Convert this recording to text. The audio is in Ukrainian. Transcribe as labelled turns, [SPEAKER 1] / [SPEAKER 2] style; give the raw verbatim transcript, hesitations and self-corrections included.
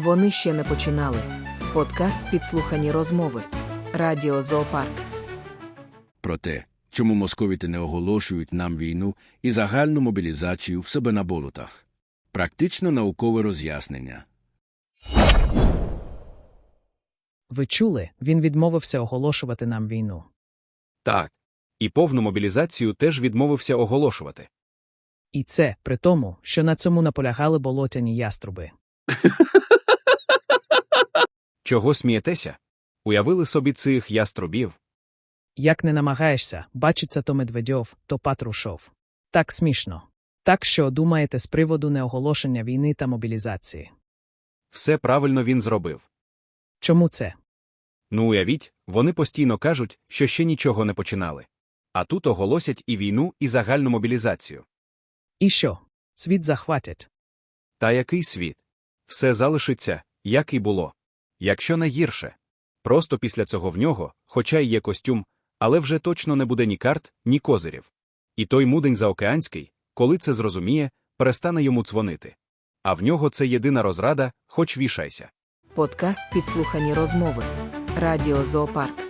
[SPEAKER 1] Вони ще не починали. Подкаст «Підслухані розмови». Радіо Зоопарк.
[SPEAKER 2] Про те, чому московіти не оголошують нам війну і загальну мобілізацію в себе на болотах. Практично наукове роз'яснення.
[SPEAKER 3] Ви чули, він відмовився оголошувати нам війну.
[SPEAKER 4] Так. І повну мобілізацію теж відмовився оголошувати.
[SPEAKER 3] І це при тому, що на цьому наполягали болотяні яструби.
[SPEAKER 4] Чого смієтеся? Уявили собі цих яструбів?
[SPEAKER 3] Як не намагаєшся, бачиться то Медведьов, то Патрушов. Так смішно. Так що думаєте з приводу неоголошення війни та мобілізації?
[SPEAKER 4] Все правильно він зробив.
[SPEAKER 3] Чому це?
[SPEAKER 4] Ну уявіть, вони постійно кажуть, що ще нічого не починали. А тут оголосять і війну, і загальну мобілізацію.
[SPEAKER 3] І що? Світ захватять.
[SPEAKER 4] Та який світ? Все залишиться, як і було. Якщо не гірше. Просто після цього в нього, хоча й є костюм, але вже точно не буде ні карт, ні козирів. І той мудень заокеанський, коли це зрозуміє, перестане йому дзвонити. А в нього це єдина розрада, хоч вішайся.
[SPEAKER 1] Подкаст «Підслухані розмови». Радіо Зоопарк.